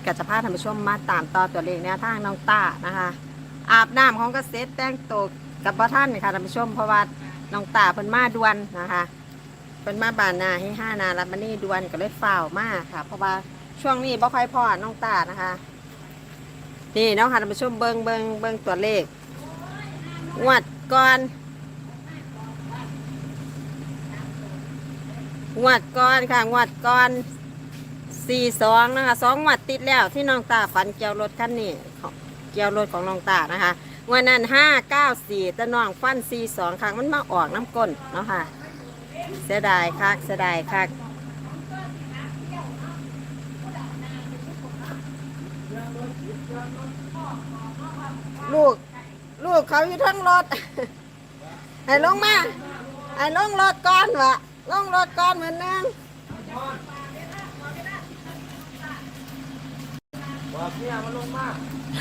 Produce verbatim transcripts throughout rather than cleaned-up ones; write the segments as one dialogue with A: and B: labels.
A: กับจะพาท่านผู้ชมมาตามต่อตัวเลขแนวทางน้องต้านะคะอาบน้ำของเกษตรแต่งตัวกับพ่อท่านค่ะท่านผู้ชมเพราะว่าน้องต้าเพิ่นมาด่วนนะคะเพิ่นมาบานนาให้ห้านารับมานี่ด่วนก็เลยฝ่าวมากค่ะเพราะว่าช่วงนี้บ่ค่อยพอน้องต้านะคะนี่น้องค่ะท่านผู้ชมเบิ่งเบิ่งเบิ่งตัวเลขงวดก่อนงวดก่อนค่ะงวดก่อนสี่สองนะคะสองงวดติดแล้วที่น้องตาฝันเกี่ยวรถคันนี้เกี่ยวรถของน้องตานะคะงวดนั้นห้าเก้าสี่แต่น้องฟันสี่สองครั้งมันมาออกน้ำก้นเนาะค่ะเสียดายคักเสียดายคักลูกลูกเขาอยู่ทั้งรถ ให้ลงมาให้ลงรถก่อนวะลงรถก่อนเหมือนนึงบอกเนี่ยมันลงมา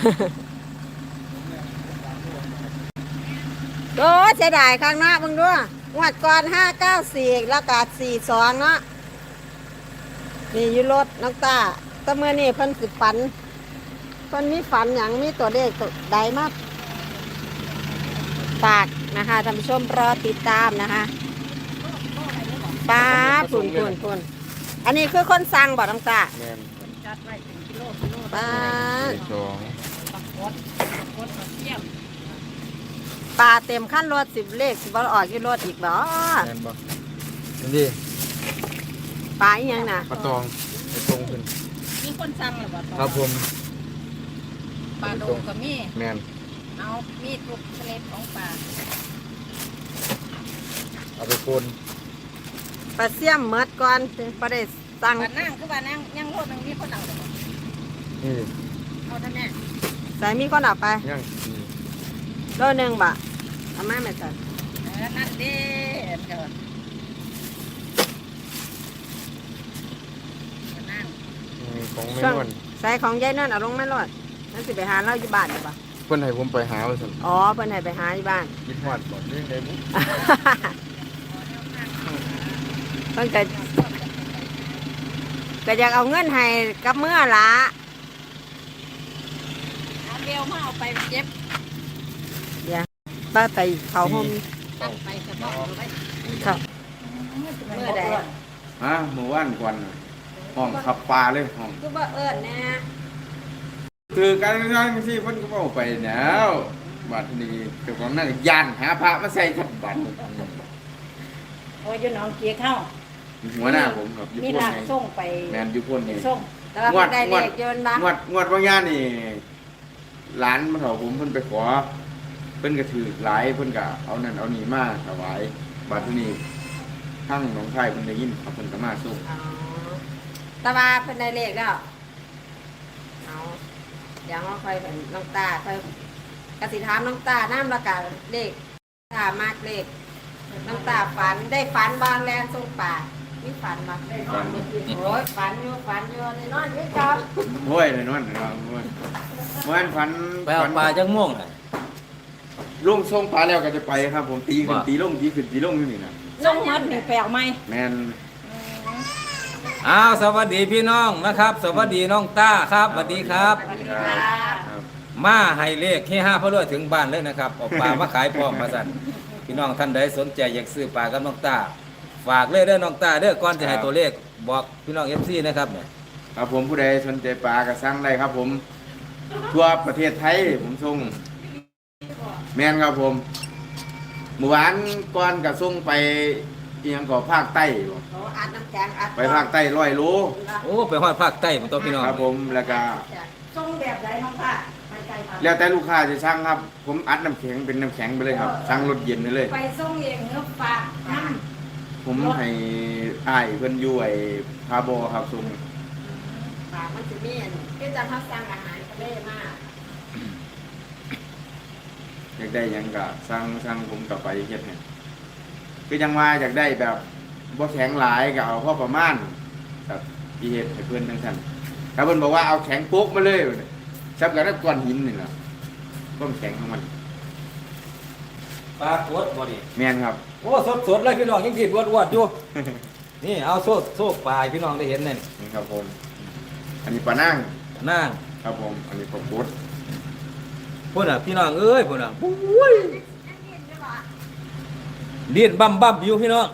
A: โอ้เสียดายข้างหน้ามึงด้วยงวดก่อนห้าเก้าสี่แล้วก็สี่สองเนาะนี่อยู่รถน้องตาแต่เมื่อนี่เพิ่นสิฝันเพิ่นมีฝันอย่างมีตัวเลขตัวใดมากฝากนะคะท่านผู้ชมรอติดตามนะคะป้าปุ่นปุ่นปุ่นอันนี้คือคนสั่งบ่น้องตาป้าปลาเต็มขั้นรถสิบเลขสิบออกยี่รถอีกบ่
B: แม่นบ่นี่
A: ปลาอีหยังน่ะ
B: ปลาตองไปตรงขึ้น
C: มีคนสั่งหรือเปล่า
B: ครับผม
C: ปลาโดงกับมี
B: แม่น
C: เอามีทุกชนิดของปลา
B: เอาไปโคน
A: ปลาเสี่ยมเมดก่อนปลาได้สั่ง
C: ปลานั่งคือปลานั่งยังรถนึงมีคนเอาหรือเปล่า
B: นี่
C: เอาท่านแม่
A: ใส่มีคนเอาไป
B: ยัง
A: โลนึงบ่เอามาแม่จัน
C: เออนั่นเด้อเถิดนั่ง
B: ของไม่นวล
A: ใส่ของยายนั่นเอาลงไม่รอดนั่นสิไปหาเราอยู่บ้านหรือเปล่า
B: เพิ่นให้ผมไปหาว่าซั่น
A: อ๋อเพิ่นให้ไปหาอยู่บ้าน
B: คิดฮอดบ่เรื่องใดบุ
A: เพิ่นก็ก็อยากเอาเงินให้กับเมื่อละ
C: เอาเบลมาเอาไปเจ็บ
A: ป้าไปเขาห่ม
C: ตั้งไปกระบอกไป
A: เขาเมื่อใด
B: ฮะเมื่อวานก่อนห้องขับปลาเลยห้อง
A: คือว่าเอิ้นนะ
B: คือการงานที่เพิ่นก็เอาไปแล้วบัดนี้เจ้าของนั่นย่านหาพระมาใส่จับบัด
C: โอ้ยอยู่หนองเกียเข้า
B: หัวหน้าผมครับอยู่
C: พุ่นไงส่งไป
B: แม่นอยู่พุ่นนี่
C: ส่ง
A: แต่ว่าได้เลขเยอะนะ
B: งวดงวดบางอย่างนี่หลานมาเฒ่าผมเพิ่นไปขอเพิ่นก็ถือหลายเพิ่นก็เอานั่นเอานี่มาถวายบัดนี้ทั้งหนองคายเพิ่นได้ยินครับเพิ่นก็มาส่ง
A: อ๋อแต่ว่าเพิ่นได้เลขแล้วเอาเดี๋ยวเราค่อยเป็นน้องตาค่อยกสิถามน้องตาน้ำละกันเลขตามากเลขน้องตาฝันได้ฝันบางแรงส่งป่านี่ฝันมาได้นอนโอ้ยฝันอยู่ฝันอยู่ในนอนนี่ครับ
B: โอ้ยในนอนนะครับโอ้ยเมื่อวานฝัน
D: ไปเอาปลาจังม่วงน่ะ
B: ลุงส่งปลาแล้วก็จะไปครับผมตีขึ้นตีลงตีขึ้นตีลงนี่นะ
C: ส่งมัดนี่แปลวไหม
B: แม่น
D: อ้าวสวัสดีพี่น้องนะครับสวัสดีน้องต้าครับสวัสดีครับมาให้เลขที่ห้าพระรวยถึงบ้านเลยนะครับเอาปลามาขายพร้อมมาสั่นพี่น้องท่านใดสนใจอยากซื้อปลากับน้องต้าฝากเลยเด้อน้องต้าเด้อก่อนจะให้ตัวเลขบอกพี่น้องเอฟซีนะครับเนี่ย
B: ครับผมผู้ใดสนใจปลาก็สั่งได้ครับผมทั่วประเทศไทยผมส่งแม่นครับผมเมื่อวานก่อนก็ส่งไปเอียงก่อภาคใต้ไปภาคใต้ร้อยโล
D: โอ้ไปฮอดภาคใต้ผมตัวพี่น้อง
B: ครับผมแล้วก็
C: ส่งแบบไหนน้องค่ะ
B: แล้วแต่ลูกค้าจะสั่งครับผมอัดน้ำแข็งเป็นน้ำแข็งไปเลยครับสั่งรถเย็นไปเลย
C: ไปส่งเองเนื้อฝากน้
B: ำผมให้อ้ายเพิ่นอยู่ไอ้พาโบครับส่ง
A: ฝากมันจะมีอันที่จะทับสั่งอาหารทะเลมาก
B: อยากได้ยังก็สั่งสั่งผมกลับไปเฮ็ดให้คือยังว่าอยากได้แบบบ่แข็งหลายก็เอาพอประมาณครับที่เฮ็ดให้เพิ่นทั้งท่านถ้าเพิ่นบอกว่าเอาแข็งปุ๊กมาเลยซับกับก้อนหินนี่ล่ะความแข็งของมัน
D: ปลาตัวบ่ดิ
B: แม่นครับ
D: โอ้สดๆเลยพี่น้องยังกินวดๆอยู่นี่เอาโซ่โซ่ปลาพี่น้องได้เห็นนี่
B: นี่ครับผมอันนี้ปลานั่ง
D: โนาง
B: ครับผมอันนี้ผมกด
D: พุ่นน่ะพี่น้องเอ้ยพุ่นน่ะปุ้ยเลียนบั้มบั้มอยู่พี่น้อง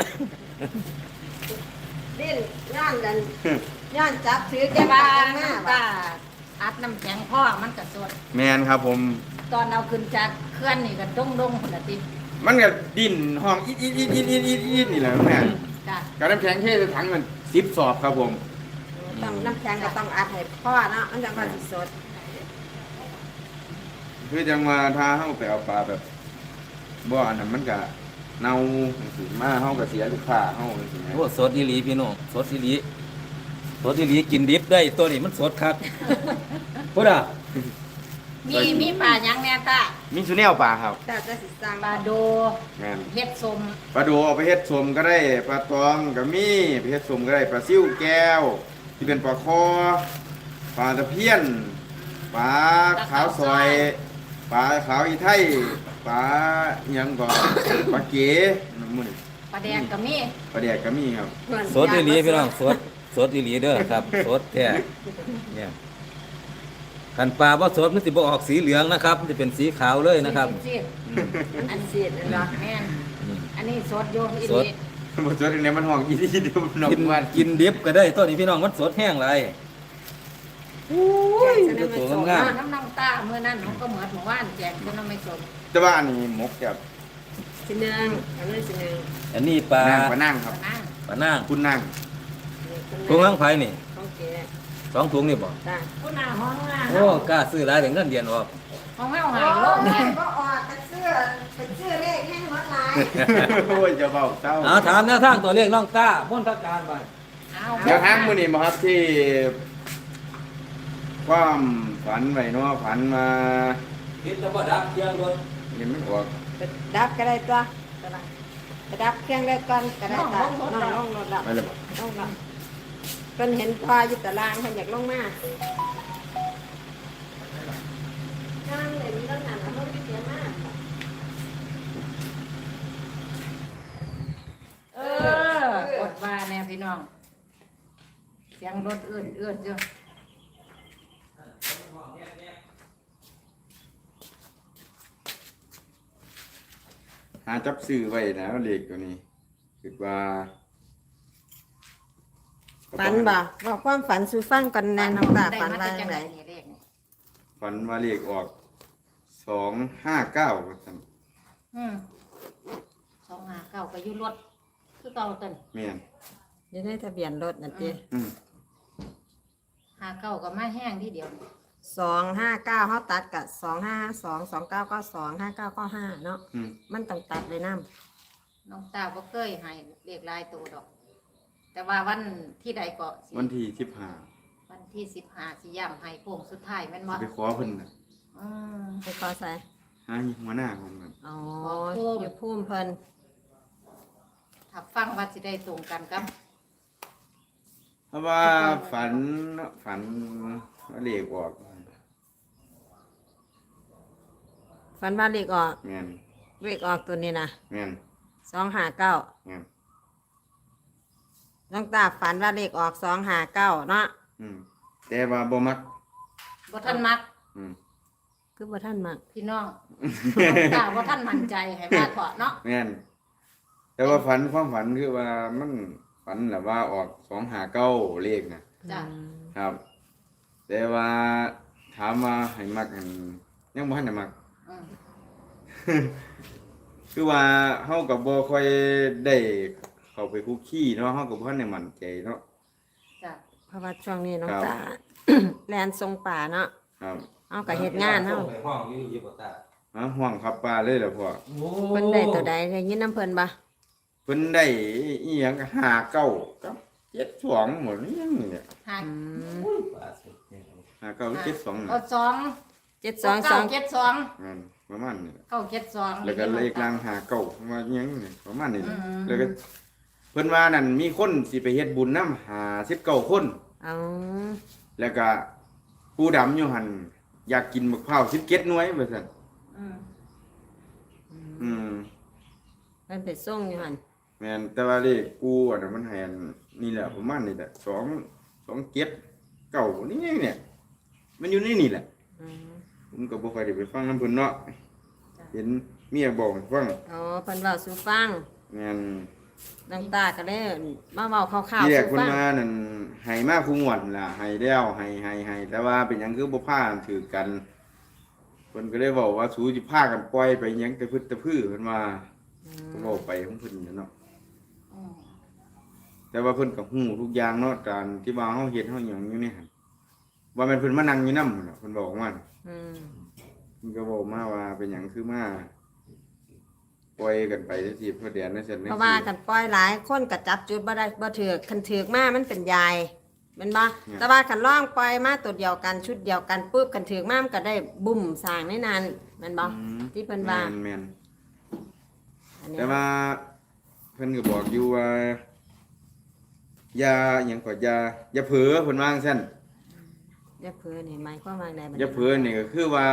A: ดิ้นย่านกันย่านจับถือแก
C: แต่
A: บ้า
C: ว่าน
A: หน้า
C: น้ำ
A: บ่
C: ตาอัดน้ำแข็งพ่อมันก็สด
B: แมนครับผม
C: ตอนเอาขึ้นจากเคลื่อนนี่ก็ด้งด้งคนละติ
B: มันก็ดิ้นห้องอีดอีดอีดอีดอีดอีดอีดนี่แหละแม่
C: จ้ะ
B: การน้ำแข็งเทใส่ถังมันสิบสอบครับผม
A: ต้องน้ำแข็งก็ต้องอัดให้พ่อเนาะมันจังว่าสิสด
B: คือจังว่าถ้าเฮาไปเอาปลาแบบบ่อันนั้นมันก็เน่าจังซี่มาเฮาก็เสียลูกค้าเฮาจังซี่แหม
D: โอ้สดอีหลีพี่น้องสดอีหลีสดอีหลีกินดิบได้ตัวนี้มันสดครับพุ่นน่ะ
C: มีมีปลาหยังแน่ตา
B: มีสุแนวปลาครับ
A: แต่จะสิสร้าง
C: ปลาโด
B: แม่น
C: เฮ็ดสม
B: ปลาดูเอาไปเฮ็ดสมก็ได้ปลาตองก็มีไปเฮ็ดสมก็ได้ปลาซิ่วแก้ว ที่เป็นปลาคอปลาตะเพียนปลาขาวซอยปลาขาวอีไทยปลาอิหยังก่อน ปลาเก๋น้ำมัน
C: ปลาแดงก็มี
B: ปลาแดกก็มีครับ
A: เพื่อน
D: สดอีหลีพี่น้องสดสดอีหลีเด้อครับสดแท้เนี่ยคันปลาบ่สดมันสิบ่ออกสีเหลืองนะครับมันจะเป็นสีขาวเลยนะครับ
C: ซีด
B: อืม
C: ๆอันซีดนั่นเนาะแม่น
D: อืม
C: อันนี้สดอยู่อี
D: สด
C: นี่
B: บ่สดในมันห้องอีที่เดียวน้อง
D: กิน
B: วัน
D: กินดิบก็ได้ตัวนี้พี่น้องมันสดแห้งไร
A: แกงจะได้
D: ตัว
A: ไม่สด
D: งาม
C: น้ำน้ำตาเมื่อนั้นมันก็เหมือนหมู่บ้านแจกคนน้ำไม่สม
B: แต่ว่าอันนี้หมกกับ
A: สิหนึ่งอันนี้สิหนึ่ง
D: อันนี้ปลา
B: นางปลานั่งครับ
C: นั่ง
D: ปลานาง
B: คุณนั่ง
D: ถุงล้างไผ่นี่
A: ของแก
D: สองถุงนี่บ่
A: จ้า
C: ผู้หน้าห้องหน้า
D: โอ้กล้าซื้อหลายถึงเงินเดือนออก
C: ห้องแม่หา
A: โอ้
C: ยโลก
A: ย
C: เนี่ย
A: ก็ออกกันเสื้อเป็นเสื้อเลขแห้งหมดหลาย
B: โอ้ยจะเบาเต้า
D: เอาถามแนวทางตัวเลขน้องต้าพ้นทักการไป
C: เอา
B: เดี๋ยวทางมื้อนี้มาครับที่ความฝันไว้เนาะฝันมา
D: คิดจะบ่ดับเที่ยงรถ
B: เห็นมันออก
A: ไปดับก็ได้ตัวไปดับเครื่องได้ก่อนก็ได้ตาน้องลงรถละ
B: ไปเลยบ่
A: ลงละเพิ่นเห็นพออยู่ตารางเพิ่นอยากลงมานั่งเลยมีรถหนักแล้วมันเสียมาก
C: เออกดว่าแน่พี่น้อง เสียงรถเอื้อนเอื้อนเยอะ
B: หาจับซื้อไว้นะเลขตัวนี้คิดว่า
A: ฝันบ่บอกความฝันสู่ฟังกันแน่น้องตาฝันว่าจังได
C: นี่เลขนี่
B: ฝันว่าเลขออกสองห้าเก้าว่าซั่น
C: อืมสองห้าเก้าก็อยู่รถคือเก่าต้น
B: แม่น
A: อยู่ในทะเบียนรถนั่นติ
B: อืม
C: ห้าเก้าก็มาแห้งที่เดียว
A: สองห้าเก้าเขาตัดกับสองห้าสองสองเก้าก็สองห้าเก้าก็ห้าเนาะ
B: อืม
A: มันต้องตัดเลยน้
C: น้องตาบ่เคยให้เลขลายตัวดอก แต่ว่าวันที่ใดก็สิ
B: วันที่สิบห้า
C: วันที่สิบห้าสิย่ำให้โค้งสุดท้ายแม่นบ่
B: ไปขอเพิ่นน่ะ
C: อืม
A: ำไปขอใส่
B: หาหัวหน้าของมัน
A: อ๋อ
C: ขอพุ่ม
A: อยู่พุ่มเพิ่น
C: ถ้าฟังว่าสิได้ตรงกันกับ
B: เพราะว่าฝันฝันว่าเลขออก
A: ฝันว่าเลขออก
B: แม่น
A: เลขออกตัวนี้นะ
B: แม่น
A: สองห้าเก้า
B: แม่น
A: น้องตาฝันว่าเลขออกสองห้าเก้าเนาะ
B: อืมแต่ว่าบ่มัก
C: บ่ท่านมัก
B: อืม
A: คือบ่ท่านมัก
C: พี่น้องน้องตาบ่ท่านมั่นใจให้มาเถาะเนาะ
B: แม่นแต่ว่าฝันความฝันคือว่ามันฝันแบบว่าออกสองหาเก้าเลขนะ
C: จ้ะ
A: อืม
B: ครับ แต่ว่าถามว่าให้มักอันยังบ่ทันได้มัก
C: อืม
B: คือว่าเฮาก็บ่ค่อยได้เข้าไปคุกคีเนาะเฮาก็บ่ทันได้มั่นใจเนาะ
C: จ้ะ
A: เพราะว่าช่วงนี้น้อง
B: ครับ
A: ตา แลนทรงป่าเนาะ
B: ครับ
A: เอากับเฮ็ดงานเนาะ
D: ไปห้องอยู่อยู่บ่ตา
B: ฮะห่วงขับปลาเลยล่ะพ่อ
D: โอ้
A: เพิ่นได้ตัวใดได้ยินน้ำเพิ่นบ่
B: เพิ่นได้อีหยังก็ห้าเก้ากับเจ็ดสองหมดนี่ยังนี่เนี่ย
C: หา
A: อืม
D: ปลาสุดเนี่ย
B: ห้าเก้าเจ็ดสอง
C: เอาสอง
A: เจ็ดสองส
C: เก้า
A: อง
C: เจ็ดสอง
B: นั่นประมาณนี้
C: เก้าเจ็ดสอง
B: แล้วก็เลขล่างหาเก่าว่าอิหยังนี่ประมาณนี้
C: อืม
B: แล้วก็เพิ่นว่านั่นมีคนสิไปเฮ็ดบุญนำหาสิบเก้าคน
A: เอา
B: แล้วก็ผู้ดำอยู่หั่นอยากกินมะพร้าวสิบเจ็ดหน่วยว่าซั่น
C: อืม
B: อืม
A: เพิ่นไปส่งอยู่หั่น
B: แม่นแต่ว่าเลขกูอันนั้นมันให้อันนี่แหละประมาณนี้แหละสอง สองเจ็ดเก้านี่เนี่ยมันอยู่ในนี่แหละ
A: อืม
B: ผมก็บ่ค่อยได้ไปฟังน้ำเพิ่นเนาะเห็นเมียบอกให้ฟัง
A: อ๋อเพิ่นเว้าสู่ฟัง
B: แม่น
A: น้องตาก็เลยมาเว้าคร่าว
B: ที่
A: ๆ
B: แรก
A: สู่
B: เพิ่น
A: ฟัง
B: มานั่นให้มาคุงวดนั่นล่ะให้แล้วให้ให้ให้แต่ว่าเป็นหยังคือบ่พากันถือกันเพิ่นก็เลยบอกว่าสูสิพากันปล่อยไปหยังแต่พึ่ตะพื้อเพิ่นว่า
A: อื
B: ก็
A: ม
B: เว้าไปของเพิ่นนั่นเนาะ
C: อืม
B: แต่ว่าเพิ่นก็ฮู้ทุกอย่างเนาะการที่ว่าเฮาเฮ็ดเฮาหยังอยู่นี่หั่นว่าแม่นเพิ่นมานั่งอยู่นำเนาะเพิ่นบอกว่า
A: อืม
B: เพิ่นก็บอกมาว่าเป็นหยังคือมาปล่อยกันไปจังซี่เพื่อเดือนนั้นเสร็จ
A: เพราะว่ากันปล่อยหลายคนก็จับจุดบ่ได้บ่ถือคันถือมามันเป็นยายแม่นบ่แต่ว่าคันล่องปล่อยมาตัวเดียวกันชุดเดียวกันปุ๊บคันถือมามันก็ได้บุ่มสร้างในนั้นแม่นบ่
B: อืม
A: ที่เพิ่นว่า
B: แม่น
A: อัน
B: ๆ
A: นี้
B: แต่ว่าเพิ่นก็บอกอยู่ว่าอย่าหยังก็อย่าอย่าเผลอเพิ่นว่าจังซั่น
A: อย่าเพ้อนี่หมายความว่าไดบัด
B: อย่าเผลอนี่ก็คือว่า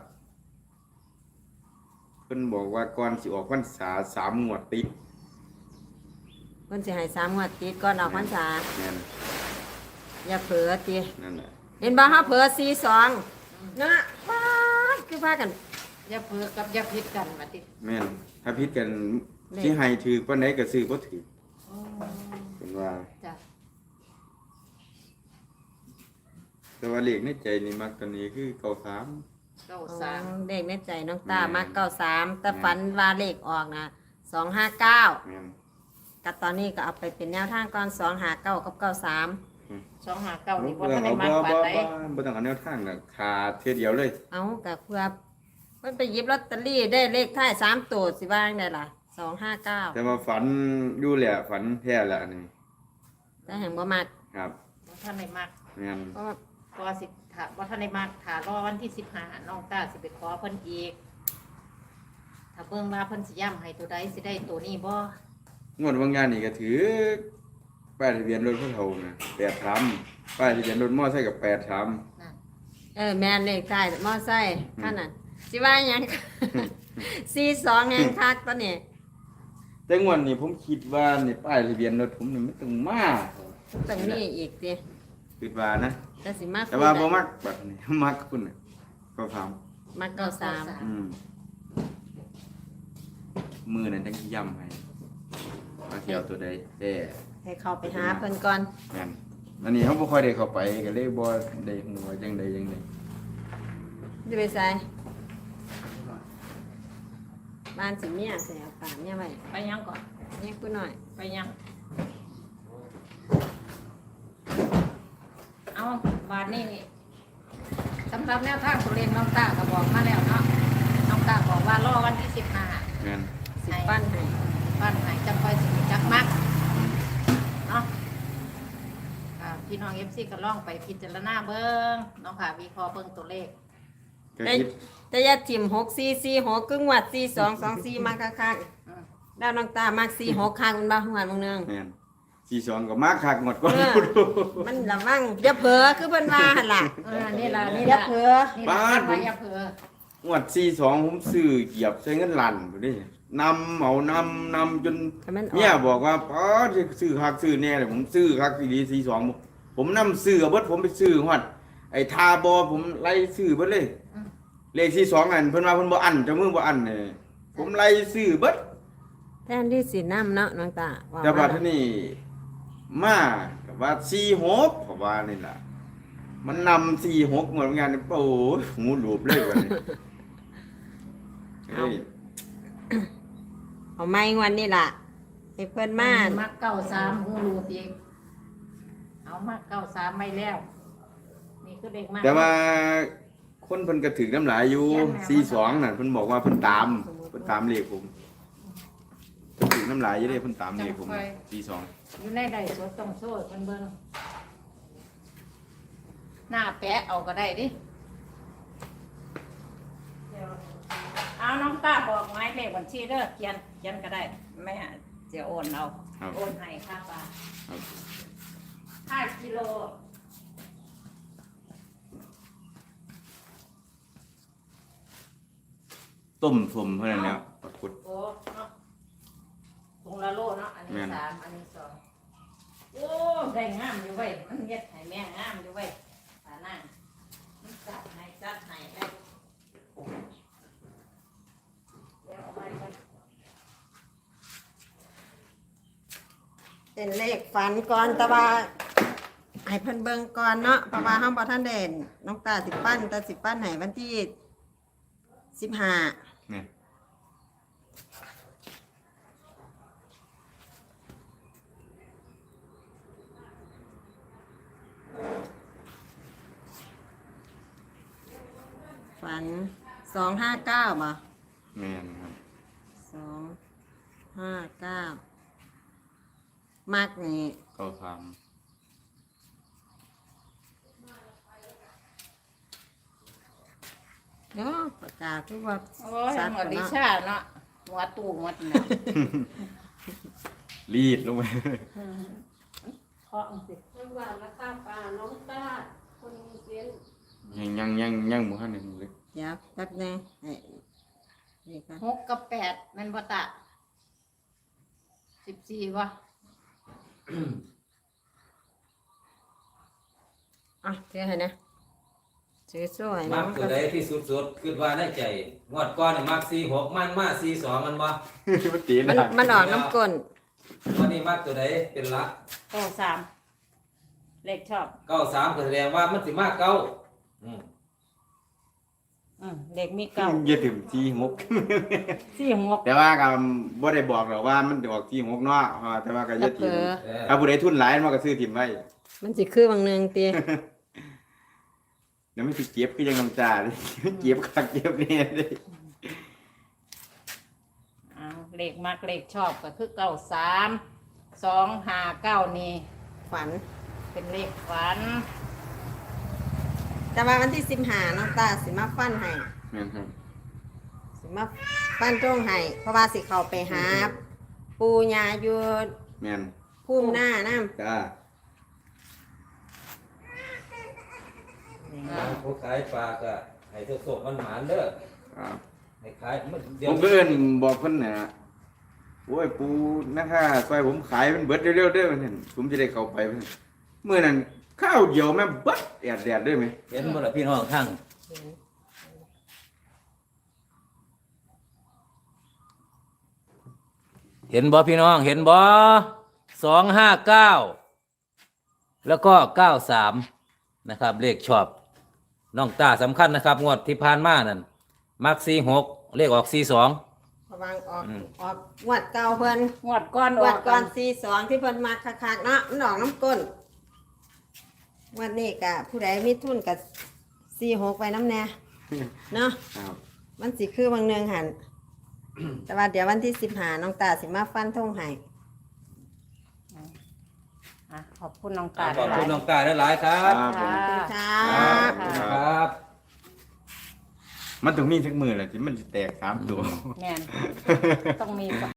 B: เพิ่นบอกว่าก่อนสิออกพรรษาสามงวดติด
A: เพิ่นสิให้สามงวดติดก่อนออกพรรษา
B: แม่น
A: อย่าเพ้อติ
B: นั่นแหละ
A: เห็นบ่เฮาเพ้อสี่สองนะป๊าดคือพากัน
C: อย่าเพิ่อกับอย่าผิดกันว่าติ
B: แม่นถ้าผิดกัน
A: เลข
B: สิให้ถือปานใดก็ซื้อบ่ถือ
C: อืม
B: เพิ่นว่า
C: จ้ะ
B: แต่ว่าเลขในใจนี่มักตัวนี้คือเก้าสาม
C: เก้า
A: อ๋อ
C: สาม
A: เลขในใจน้องตา
B: แม่น
A: มักเก้าสามแต่
B: แม่น
A: ฝันว่าเลขออกนะสองห้าเก้า
B: แม่น
A: กับตอนนี้ก็เอาไปเป็นแนวทางก่อนสองหาเก้ากับเก้าสาม
C: สองหาเก้านี่บ่
B: บ่
C: ทันได้มาก
B: บ่
C: ปานใด
B: บ่บ่ต้องเอาแนวทางน่ะขาดเทื่อเดียวเลย
A: เอากับเพื่อมันไปหยิบลอตเตอรี่ได้เลขท้ายสามตัวสิว่าจั่งได้ล่ะสองห้าเก้า
B: แต่ว่าฝันอยู่แหละฝันแท้แหละอันนี่
A: แต่แห่งบ่มาก
B: ครับ
C: บ่ทันได้มาก
B: แม่น
A: เพราะว่า
C: ก็สิถาบ่ทันได้มากถารอวันที่สิบห้าน้องตาสิไปขอเพิ่นอีก ถ้าเบิ่งว่าเพิ่นสิย้ำให้ตัวใดสิได้ตัวนี้บ่
B: งวดบางงานนี่ก็ถือป้ายทะเบียนรถเขาเฒ่านะแปดสามป้ายทะเบียนรถมอไซค์กับแปดสาม
C: นั่น
A: เออแม่นเลขท้ายมอไซค์ขั้นนั้นสิว่าหยัง สี่สองแห่งคักตอนนี้
B: แต่งวดนี้ผมคิดว่านี่ป้ายทะเบียนรถผมนี่มันต้องมา
A: ต้องมีอีกติ
B: คิดว่านะ
A: แต่สิมา
B: แต่ว่าบ่มักแบบนี้ มักคุณน่ะก็ถาม
A: มักเก้าสาม
B: อืมมือนั้นจังสิย้ำให้ว่าสิเอาตัวใดแต่
A: ให้เข้าไปหาเพิ่นก่อน
B: แม่นอันนี้เขาบ่ค่อยได้เข้าไปก็เลยบ่ได้ฮู้ว่าจังใดจังใด
A: จะไปใส่บ้านสิเมียใส่เอาปากเนี่ยไว้
C: ไปยังก่อน
A: เนี่ยกูหน่อย
C: ไปยัง เอาบาทนี่สำหรับแนวทางตัวเลขน้องตาก็บอกมาแล้วเนาะ น้องตาบอกว่ารอวันที่สิบห้า
B: แม่น
A: สิปั้นให้
C: บ้านไหนจังค่อยสิจักมักเนาะอ่าพี่น้องเอฟซีก็ล่องไปพิจารณาเบิ้งเน้องค่ะวิเคราะห์เบิ้งตัวเลข
B: ก็
A: แต่
B: คิด
A: แต่อยาถิ่มหกสี่สี่หกกึ่งวัดสี่สองสองสี่มาคัก
C: อืม
A: ๆแล้วน้องตามากสี่หกคักมันบ้าหัวมึงเนือง
B: แม่นสี่สองก็มากคักหมดก่อน
A: เออ มันละมั่งอย่าเผลอคือเพิ่นว่าหั่นล่ะ
C: เออนี่ล่ะนี่
A: อย่า
C: ล่ะ
A: เผลอ
C: นี่ล่ะเป็นว่าอย่าเผลอง
B: วดสี่สองผมซื้อเหยียบใช้เงินลันบ่ได้นำเอานำนำจน
A: ให้มันอ
B: เมีย
A: อก
B: บอกว่าป๋อจะซื้อคักซื้อแน่เลยผมซื้อคักดีสี่สองผมนำซื้อเอาเบิดผมไปซื้อฮอดไอ้ทาบอผมไล่ซื้อเบิดเลย
C: อืม
B: เลขสี่สองอันเพิ่นว่าเพิ่นบ่อันเจ้ามือบ่อันเนี่ยผมไล่ซื้อเบิด
A: แทนที่สิน้ำเนาะน้องตาว่า
B: แต่บัด
A: มา
B: ทีนี้มากับว่าสี่หกก็ว่านี่ล่ะ มันนำสี่หกเหมือนกันโอ้ยหูหลูบเลยวันนี้เฮ้ย
A: เอาไม้วันนี้ล่ะให้เพิ่นมา
C: มักเก้าสามหูรูตีเอามักเก้าสามไม่แล้ว นี่คือเด็กมาก
B: แต่ว่าคนเพิ่นก็ถึกน้ำหลายอยู่สี่สองนั่นเพิ่นบอกว่าเพิ่นตามเพิ่นตามเลขผมเพิ่นถึกน้ำหลายอยู่เด้เพิ่นตามเลขผมสี่สอง
C: อยู่ในใดสดต้องโซ่เพิ่นเบิ่งหน้าแปะเอาก็ได้ดิเดี๋ยวเอาน้องตาบอกหมายเลขบัญชีเด้อเขียนเขียนก็ได้แม่จะโอนเอาโอนให้ค่าปลา
B: ครับ
C: ห้ากิโล
B: ต้มสมเท่านั้นแล้วปรากฏ
C: โอ้เนาะถุงละโลเนาะอันนี้
B: แม่น
C: สามอันนี้สองโอ้ได้งามอยู่เว้ยมันเฮ็ดให้แม่งามอยู่เว้ยตาหน้ามันใจ
A: เป็นเลขฝันก่อนแต่ว่าให้เพิ่นเบิ่งก่อนเนาะเพราะว่าเฮาบ่ทันได้น้องตาสิปั้นแต่สิปั้นให้วันที่สิบห้า
B: เนี่ย
A: ฝันสองห้าเก้าบ่
B: แม่นครับ
A: สองห้าเก้ามักนี่
B: เก้าสาม
A: เนาะประกาศคือว่า
C: โอ้ย
A: สัต
C: ห
A: ว์
C: มดดิ
A: เนาะ
C: ชาเนาะหัวตู้หมดเนี่ย
B: รีดลงไป
C: เคาะสิ
A: จังหวัดละตาปาน้องตาคนมีเสียง
B: ยังยังยังยังบ่ทันได้เลย
A: เดี๋ยวแป๊บนึงให้นี่ค่ะ
C: หกกับแปดแมันบ่ตะสิบสี่วะ
A: อ่ะเดี๋ยวให้นะซื้อสวย
D: มั
A: นะ
D: กตัวใดที่สุดๆคิดว่าได้ใจงวดก่อนนี่มักสี่หกมันมาสี่สองมันบ่
B: มันตี
A: มัน
B: หนัก
A: มันออกน้ำก้น
D: วันนี้มักตัวใดเป็นหลัก
C: เก้าสามเลขชอบ
D: เก้าสามก็แสดงว่ามันสิมาเก้าอืม
C: อืมเลขมีเก้า
B: อย่าถึงที่หก
C: สี่หก
B: แต่ว่าก็บ่ได้บอกหรอกว่ามันจะออกที่หกเนาะอ่าแต่ว่าก็อย่า
A: เผล
B: ถิ่ม
A: อ
D: เออ
B: ถ้าผู้ใดทุนหลายมันก็ซื้อถิ่มไว้
A: มันสิคือบางหนึงตี
B: เดี๋ยวมันสิเก็บคือยังน้ำตาเลย เก็บคักเก็บเนี่ยเด้
C: เอาเลขมักเลขชอบก็คือเก้าสามสองห้าเก้านี่
A: ฝัน
C: เป็นเลขฝัน
A: แต่ว่าวันที่สิบห้าน้องตาสิมาฟันให้
B: แม่นครับ
A: สิมาฟันตรงให้เพราะว่าสิเข้าไปหา ปูยาอยู่
B: แม่น
A: พุ่มหน้าน้
B: จ้า
D: ผู้ขายปลาก็ให้ทุกศกมันหมานเด้อ
B: ครับ
D: ให้ขายมันเดี๋ย
B: ผ
D: ว
B: มก็เอิ้นบอกเพิ่นน่ะโอ้ยปูนะคะซอยผมขายมันเบิดเร็วๆเด้อมันเห็นผมจะได้เข้าไปเพิ่นเมื่อนั้นข้าวเดียวแม่งเบิดแอดแดดเด้อไหม
D: เห็นบ่ล่ะพี่น้องทั้ง เห็นบ่พี่น้องเห็นบ่สองห้าเก้าแล้วก็เก้าสามนะครับ เลขชอบน้องตาสำคัญนะครับ งวดที่ผ่านมานั่นมักสี่หกเลขออกสี่สอง
A: ำระวังออก
D: อืม
A: ออกงวดเก่าเพิ่น
C: งวดก้อน
A: งวดก่อนสี่สองที่เพิ่นมาคักๆเนาะมันออกน้ำก้นงวันนี้กะผู้ใดมีทุนกับสี่หกไปน้ำแน่เนาะ
B: ครับ
A: มันสิคือบางเนืองหัน แต่ว่าเดี๋ยววันที่สิบหาน้องตาสิมาฟันทงให้
C: อ่ะขอบคุณน้องตา
D: ขอบคุณ
C: หลาย
D: น้องตาหลายๆครับ
B: ครับผม
A: ขอบคุณครั
B: ครับ บ
D: ครับ
B: มันต้องมีสักมือแหละที่มันจะแตกสามตัว
C: แม่นต้องมี